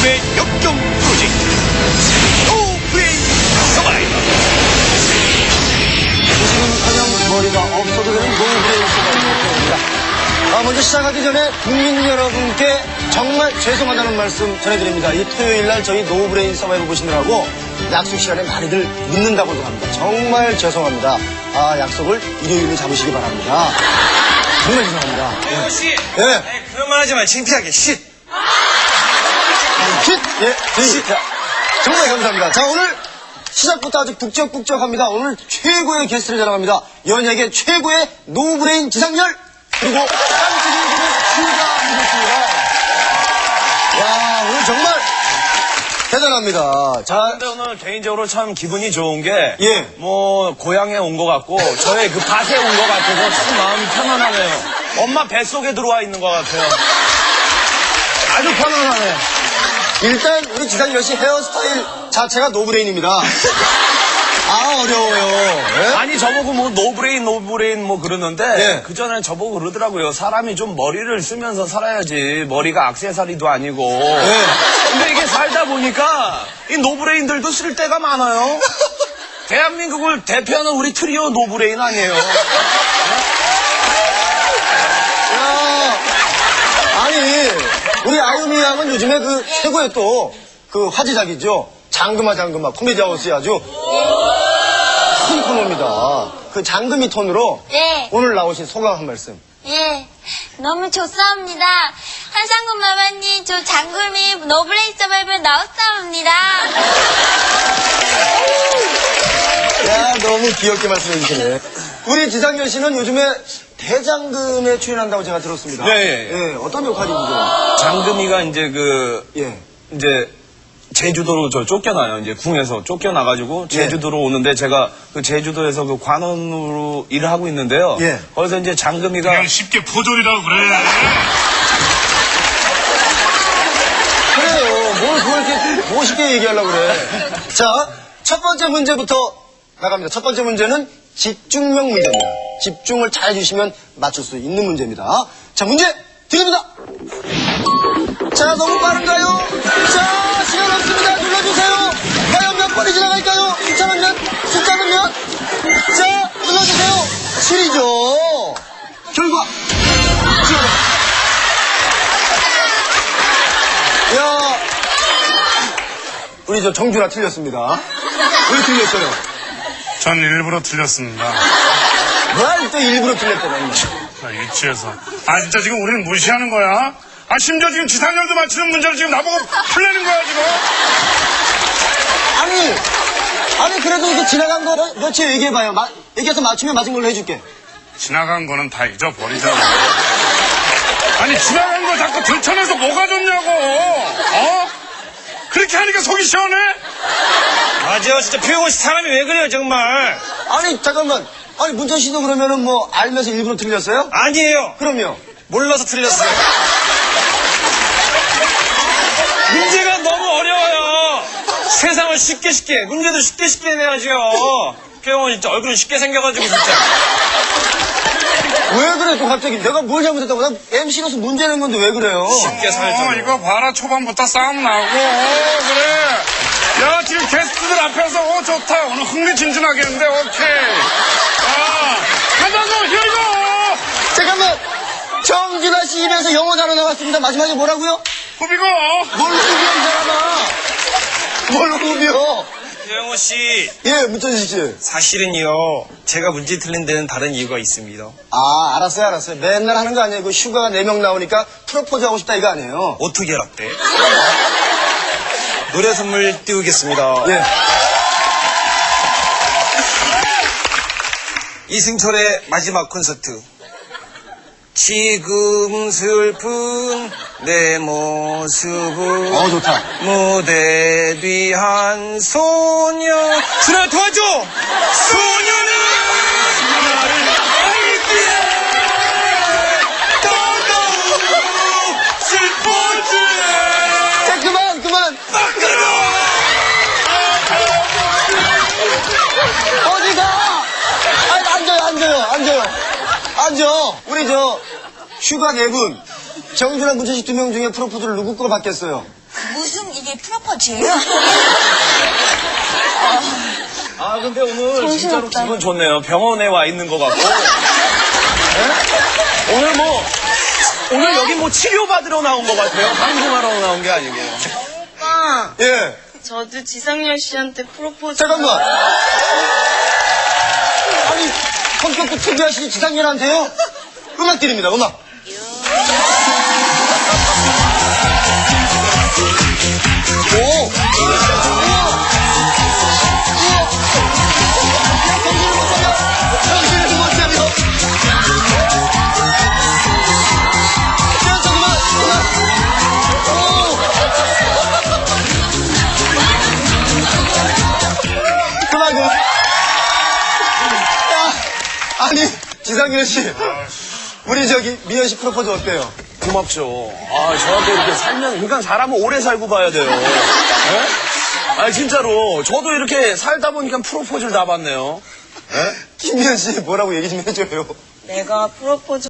죽음의 역경 프로젝트 노브레인 서바이벌. 지금커녕 머리가 없어도 되는 노브레인 서바이벌입니다. 먼저 시작하기 전에 국민 여러분께 정말 죄송하다는 말씀 전해드립니다. 이 토요일날 저희 노브레인 서바이벌 보시느라고 약속 시간에 많이들 늦는다고도 합니다. 정말 죄송합니다. 약속을 일요일로 잡으시기 바랍니다. 정말 죄송합니다. 태호 씨. 예. 그런 말 하지 마. 창피하게. 쉿. 쉿! 자, 정말 감사합니다. 자, 오늘 시작부터 아주 북적북적합니다. 오늘 최고의 게스트를 자랑합니다. 연예계 최고의 노브레인 지상렬! 그리고 깜찍이 분의 슈가 모셨습니다. 야, 오늘 정말 대단합니다. 자, 근데 오늘 개인적으로 참 기분이 좋은 게, 예. 뭐, 고향에 온 것 같고, 저의 그 밭에 온 것 같아서 참 마음이 편안하네요. 엄마 뱃속에 들어와 있는 것 같아요. 아주 편안하네요. 일단 우리 지상렬 씨 헤어스타일 자체가 노브레인입니다. 어려워요. 예? 아니, 저보고 뭐, 노브레인 뭐 그러는데, 예. 그전에 저보고 그러더라고요. 사람이 좀 머리를 쓰면서 살아야지. 머리가 액세서리도 아니고. 예. 근데 이게 살다 보니까, 이 노브레인들도 쓸 때가 많아요. 대한민국을 대표하는 우리 트리오 노브레인 아니에요. 야, 아니, 우리 아유미 양은 요즘에 그 최고의 또 그 화제작이죠. 장금아 코미디 하우스에 아주 큰 코너입니다. 그 장금이 톤으로 네. 오늘 나오신 소감 한 말씀. 예, 너무 좋사옵니다. 한상군 마마님, 저 장금이 노브레인 서바이벌 나왔사옵니다. 야, 너무 귀엽게 말씀해 주시네. 우리 지상렬 씨는 요즘에 대장금에 출연한다고 제가 들었습니다. 네. 예, 어떤 역할이죠? 장금이가 이제 예. 이제 제주도로 저 쫓겨나요. 이제 궁에서 쫓겨나가지고 제주도로 오는데 제가 그 제주도에서 그 관원으로 일을 하고 있는데요. 예. 거기서 이제 장금이가 그냥 쉽게 포졸이라고 그래. 그래요. 뭘 그렇게 멋있게 얘기하려고 그래. 자, 첫 번째 문제부터 나갑니다. 첫 번째 문제는 집중력 문제입니다. 집중을 잘 해주시면 맞출 수 있는 문제입니다. 자, 문제 드립니다. 자, 너무 빠른가요? 자, 시간 없습니다. 눌러주세요. 과연 몇 번이 지나갈까요? 숫자는 몇? 숫자는 몇? 자, 눌러주세요. 7이죠. 결과. 야, 우리 저 정준아 틀렸습니다. 왜 틀렸어요? 전 일부러 틀렸습니다. 뭘 또 일부러 틀렸다는 거야. 나 유치해서. 진짜 지금 우리는 무시하는 거야? 심지어 지금 지상렬도 맞히는 문제를 지금 나보고 풀려는 거야, 지금? 아니, 그래도 이게 지나간 거 며칠 얘기해봐요. 얘기해서 맞추면 맞은 걸로 해줄게. 지나간 거는 다 잊어버리자고. 지나간 거 자꾸 들춰내서 뭐가 좋냐고. 그렇게 하니까 속이 시원해? 맞아요. 진짜 표영호 씨 사람이 왜 그래요 정말. 아니, 잠깐만. 아니, 문천 씨도 그러면은 뭐 알면서 일부러 틀렸어요? 아니에요. 그럼요. 몰라서 틀렸어요. 문제가 너무 어려워요. 세상을 쉽게 문제도 쉽게 내야죠. 표영호 진짜 얼굴은 쉽게 생겨가지고 진짜. 왜 그래, 또 갑자기. 내가 뭘 잘못했다고. 난 MC로서 문제 낸 건데 왜 그래요? 쉽게 살죠. 이거 봐라. 초반부터 싸움 나고. 그래. 야, 지금 게스트들 앞에서 좋다. 오늘 흥미진진하겠는데. 오케이. 가자고. 히어고. 잠깐만. 정준하 씨 입에서 영어 단어 나왔습니다. 마지막에 뭐라고요? 후비고. 뭘 후비야, 이 사람아. 뭘 후비요? 표영호 씨, 예, 문천식 씨. 사실은요, 제가 문제 틀린 데는 다른 이유가 있습니다. 알았어요. 맨날 하는 거 아니에요. 그 휴가가 4명 나오니까 프로포즈 하고 싶다 이거 아니에요. 어떻게 알았대? 노래 선물 띄우겠습니다. 예. 이승철의 마지막 콘서트. 지금 슬픈 내 모습은 좋다. 무대 뒤 한 소녀. 준아 도와줘. 소녀는 나를 알기에 더더욱 슬퍼지. 자, 그만. 어디 가? 앉아요. 우리 휴가 4분. 정준하 문천식 2명 중에 프로포즈를 누구 거 받겠어요? 무슨 이게 프로포즈예요? 아, 근데 오늘 진짜로 정신없다. 기분 좋네요. 병원에 와 있는 것 같고. 네? 오늘 여기 뭐 치료받으러 나온 것 같아요. 방송하러 나온 게 아니고. 오빠, 예. 저도 지상렬 씨한테 프로포즈. 잠깐만. 아니, 성격도 특이하시니 지상렬한테요? 음악 드립니다, 음악. 오! 정신을 못 차려. 그만. 야, 아니, 지상렬 씨. 우리 저기 미연 씨 프로포즈 어때요? 고맙죠. 아, 저한테 이렇게 살면, 그러니까 사람은 오래 살고 봐야 돼요. 네? 아, 진짜로. 저도 이렇게 살다 보니까 프로포즈를 다 받네요. 김미연 씨 뭐라고 얘기 좀 해줘요. 내가 프로포즈